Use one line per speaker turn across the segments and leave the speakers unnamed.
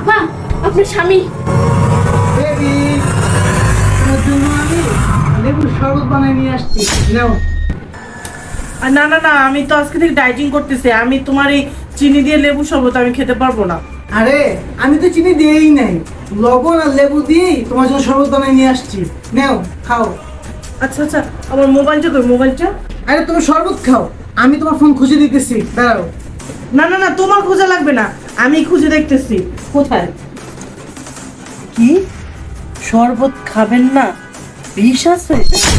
আপা, আপনার স্বামী।
বেবি, তোমার জন্য আমি লেবুর শরবত বানিয়ে নিয়ে আসছি, নাও।
না না না, আমি তো আজকে থেকে ডাইটিং করতেছি। আমি তোমার এই চিনি দিয়ে লেবু শরবত আমি খেতে পারবো না।
আরে আমি তো চিনি দিয়েই নাই, লবণ আর লেবু দিয়েই তোমার জন্য শরবত বানিয়ে নিয়ে আসছি, নাও খাও।
আচ্ছা আচ্ছা, আমার মোবাইলটা কই? মোবাইলটা?
আরে তুমি শরবত খাও, আমি তোমার ফোন খুঁজে দিতেছি, দাঁড়াও।
না না না, তোমার খোঁজা লাগবে না, আমি খুঁজে দেখতেছি। কোথায়? কি শরবত খাবেন না? বিষ আছে?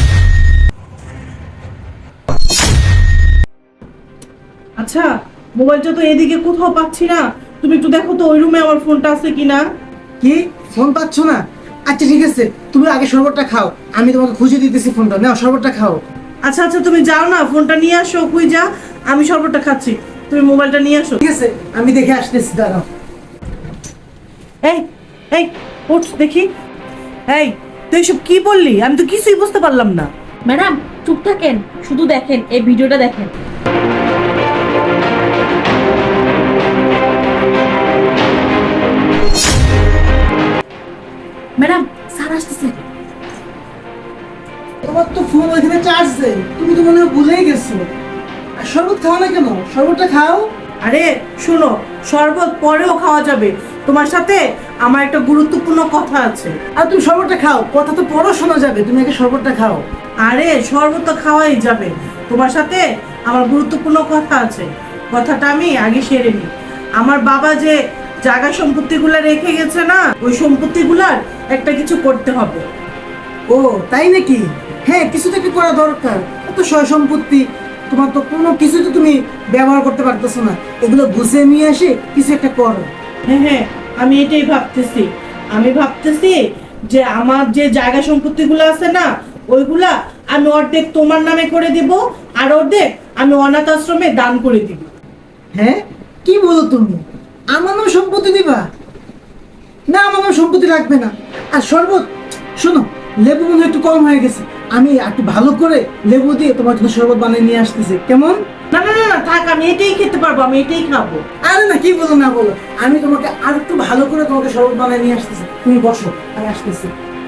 আচ্ছা, মোবাইলটা তো এদিকে কোথাও পাচ্ছি না। তুমি একটু দেখো তো ওই রুমে আমার ফোনটা আছে কিনা।
কি ফোন পাচ্ছ না? আচ্ছা ঠিক আছে, তুমি আগে শরবতটা খাও, আমি তোমাকে খুঁজে দিতেছি ফোনটা, নাও শরবতটা খাও।
আচ্ছা আচ্ছা, তুমি যাও না, ফোনটা নিয়ে আসো। কই যা, আমি শরবতটা খাচ্ছি, তুমি মোবাইলটা নিয়ে আসো।
ঠিক আছে, আমি দেখে আসতেছি, দাঁড়াও।
এই এই ওঠ দেখি। এই তুই এসব কি বললি? আমি তো কিছুই বুঝতে পারলাম না।
ম্যাডাম চুপ থাকেন, শুধু দেখেন, এই ভিডিওটা দেখেন। ম্যাডাম স্যার আসতেছে।
তোমার তো ফোন ওইখানে চার্জ দেয়, তুমি তো মনে হয় ভুলেই গেছো। আর শরবত খাও না কেন? শরবতটা খাও।
আরে শোনো, শরবত পরেও খাওয়া যাবে, তোমার সাথে আমার একটা গুরুত্বপূর্ণ কথা আছে।
আর তুমি শরবতটা খাও, কথা তো পরও শোনা যাবে, তুমি আগে শরবতটা খাও।
আরে শরবত তো খাওয়াই যাবে, তোমার সাথে আমার গুরুত্বপূর্ণ কথা আছে। কথাটা আমি আগে সেরে নিই। আমার বাবা যে জায়গা সম্পত্তিগুলো রেখে গেছে না, ওই সম্পত্তিগুলার একটা কিছু করতে হবে।
ও তাই নাকি? হ্যাঁ, কিছু তো একটু করা দরকার। এত সয় সম্পত্তি, তোমার তো কোনো কিছু তো তুমি ব্যবহার করতে পারতেছো না, এগুলো গুছিয়ে নিয়ে এসে কিছু একটা করো।
হ্যাঁ হ্যাঁ, আমি এটাই ভাবতেছি। আমি ভাবতেছি যে আমার যে জায়গা সম্পত্তিগুলো আছে না, ওইগুলা আমি অর্ধেক তোমার নামে করে দিব, আর অর্ধেক আমি অনাথ আশ্রমে দান করে দিব।
হ্যাঁ, কি বলো তুমি? আমার নাম সম্পত্তি দিবা? না, আমার নাম সম্পত্তি লাগবে না। আর শরবত, শোনো, লেবু মনে হয় একটু কম হয়ে গেছে, আমি একটু ভালো করে লেবু দিয়ে তোমার জন্য শরবত বানিয়ে নিয়ে আসতেছি, কেমন?
না না না না, থাক, আমি এটাই খেতে পারবো, আমি এটাই খাবো।
আরে না, কি বলো না বলো, আমি তোমাকে আর একটু ভালো করে তোমাকে শরবত বানিয়ে নিয়ে আসতেছি, তুমি বসো, আমি আসতেছি।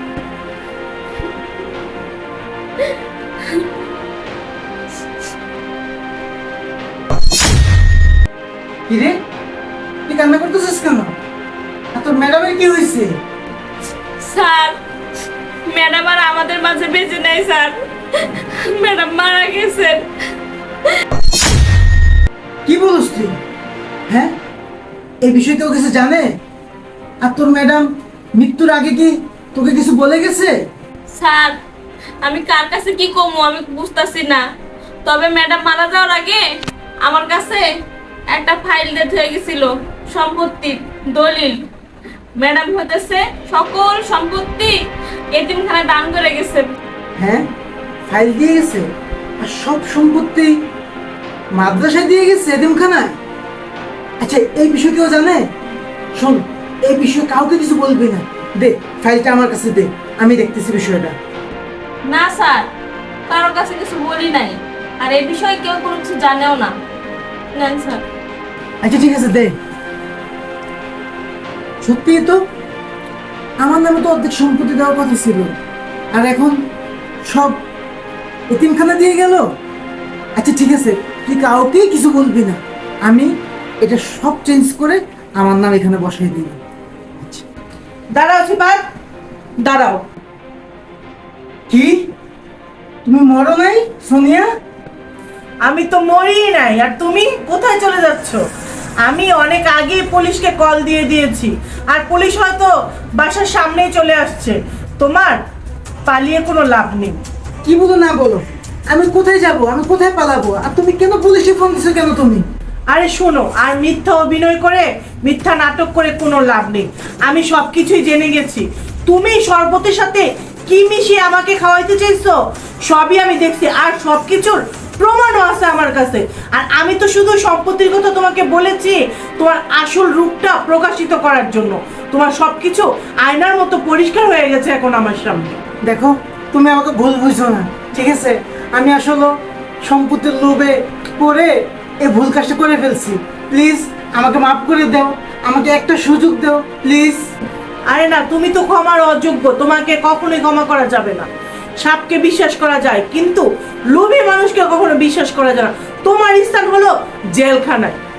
কিরে, তুই কান্না করতেছিস কেন? আর তোর ম্যাডামের কি হয়েছে?
স্যার, ম্যাডাম আর আমাদের মাঝে বেঁচে নেই স্যার, ম্যাডাম মারা গেছেন।
কি বলিস তুই? হ্যাঁ, এই বিষয়ে কেউ কিছু জানে? আর তোর ম্যাডাম মৃত্যুর আগে কি তোকে কিছু বলে গেছে?
স্যার, আমি কার কাছে কি কমু আমি বুঝতাছি না, তবে ম্যাডাম মারা যাওয়ার আগে আমার কাছে একটা ফাইল ডেট হয়ে গেছিল, সম্পত্তির দলিল। ম্যাডাম হতেছে সকল সম্পত্তি এতিমখানায় দান করে গেছে।
হ্যাঁ, ফাইল দিয়ে গেছে? আর সব সম্পত্তি মাদ্রাসায় দিয়ে গেছে, এতিমখানায়? আচ্ছা, এই বিষয়ে কেউ জানে? শোন, এই বিষয়ে কাউকে কিছু বলবি না, দে ফাইলটা আমার কাছে দে, আমি দেখতেছি বিষয়টা।
না স্যার, কারোর কাছে কিছু বলি নাই, আর এই বিষয়ে কেউ কোনো কিছু জানেও না। নেন স্যার।
আচ্ছা ঠিক আছে, দে। সত্যি তো আমার নামে তো অর্ধেক সম্পত্তি দেওয়ার কথা ছিল, আর এখন সব এতিমখানা দিয়ে গেল। আচ্ছা ঠিক আছে, তুই কাউকেই কিছু বলবি না, আমি এটা সব চেঞ্জ করে আমার নাম এখানে বসাই দিই। আচ্ছা,
দাঁড়াও সিফাত, দাঁড়াও।
কি তুমি মরো নাই সোনিয়া?
আমি তো মরি নাই, আর তুমি কোথায় চলে যাচ্ছ? আমি অনেক আগে পুলিশকে কল দিয়ে দিয়েছি, আর পুলিশ হয়তো বাসার সামনেই চলে আসছে। তোমার পালিয়ে কোনো লাভ নেই।
কি বলো না বলো, আমি কোথায় যাব, আমি কোথায় পালাবো? আর তুমি কেন পুলিশে ফোন দিছো কেন তুমি?
আরে শোনো, আর মিথ্যা অভিনয় করে, মিথ্যা নাটক করে কোনো লাভ নেই। আমি সবকিছুই জেনে গেছি। তুমি শরবতের সাথে কি মিশিয়ে আমাকে খাওয়াইতে চাইছো, সবই আমি দেখছি, আর সবকিছুর প্রমাণও আছে আমার কাছে। আর আমি তো শুধু সম্পত্তির কথা তোমাকে বলেছি তোমার আসল রূপটা প্রকাশিত করার জন্য। তোমার সবকিছু আয়নার মতো পরিষ্কার হয়ে গেছে এখন আমার সামনে।
দেখো, তুমি আমাকে ভুল বুঝছো না, ঠিক আছে? আমি আসলে সম্পত্তির লোভে পড়ে এই ভুল কাজটা করে ফেলছি, প্লিজ আমাকে মাফ করে দাও, আমাকে একটা সুযোগ দাও প্লিজ।
আরে না, তুমি তো ক্ষমার অযোগ্য, তোমাকে কখনোই ক্ষমা করা যাবে না। সাপকে বিশ্বাস করা যায় কিন্তু লোভী মানুষকে কখনো বিশ্বাস করা যায় না। তোমার স্থান হলো জেলখানায়।